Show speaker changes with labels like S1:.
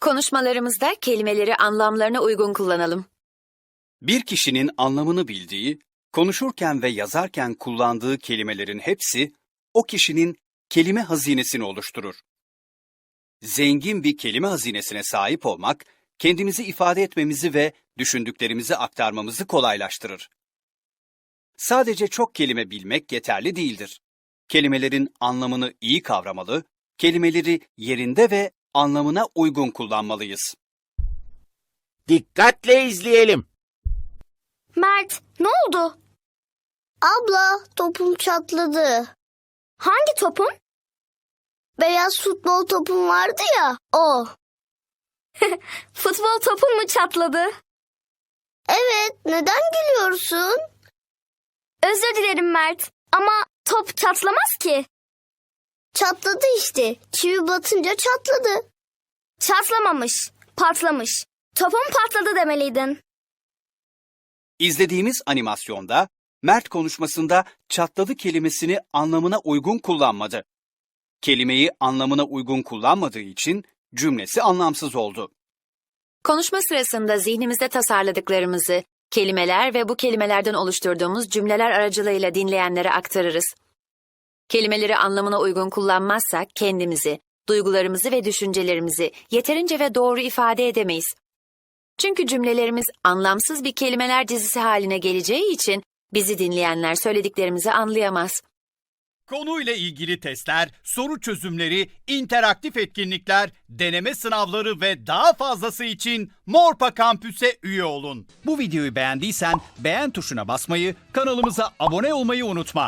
S1: Konuşmalarımızda kelimeleri anlamlarına uygun kullanalım.
S2: Bir kişinin anlamını bildiği, konuşurken ve yazarken kullandığı kelimelerin hepsi o kişinin kelime hazinesini oluşturur. Zengin bir kelime hazinesine sahip olmak, kendimizi ifade etmemizi ve düşündüklerimizi aktarmamızı kolaylaştırır. Sadece çok kelime bilmek yeterli değildir. Kelimelerin anlamını iyi kavramalı, kelimeleri yerinde ve anlamına uygun kullanmalıyız.
S3: Dikkatle izleyelim.
S4: Mert, ne oldu?
S5: Abla, topum çatladı.
S4: Hangi topun?
S5: Beyaz futbol topum vardı ya, o.
S4: Futbol topun mu çatladı?
S5: Evet, neden gülüyorsun?
S4: Özür dilerim Mert. Ama top çatlamaz ki.
S5: Çatladı işte. Çivi batınca çatladı.
S4: Çatlamamış, patlamış. Topun patladı demeliydin.
S2: İzlediğimiz animasyonda Mert konuşmasında çatladı kelimesini anlamına uygun kullanmadı. Kelimeyi anlamına uygun kullanmadığı için cümlesi anlamsız oldu.
S1: Konuşma sırasında zihnimizde tasarladıklarımızı, kelimeler ve bu kelimelerden oluşturduğumuz cümleler aracılığıyla dinleyenlere aktarırız. Kelimeleri anlamına uygun kullanmazsak kendimizi, duygularımızı ve düşüncelerimizi yeterince ve doğru ifade edemeyiz. Çünkü cümlelerimiz anlamsız bir kelimeler dizisi haline geleceği için bizi dinleyenler söylediklerimizi anlayamaz.
S6: Konuyla ilgili testler, soru çözümleri, interaktif etkinlikler, deneme sınavları ve daha fazlası için Morpa Kampüs'e üye olun. Bu videoyu beğendiysen beğen tuşuna basmayı, kanalımıza abone olmayı unutma.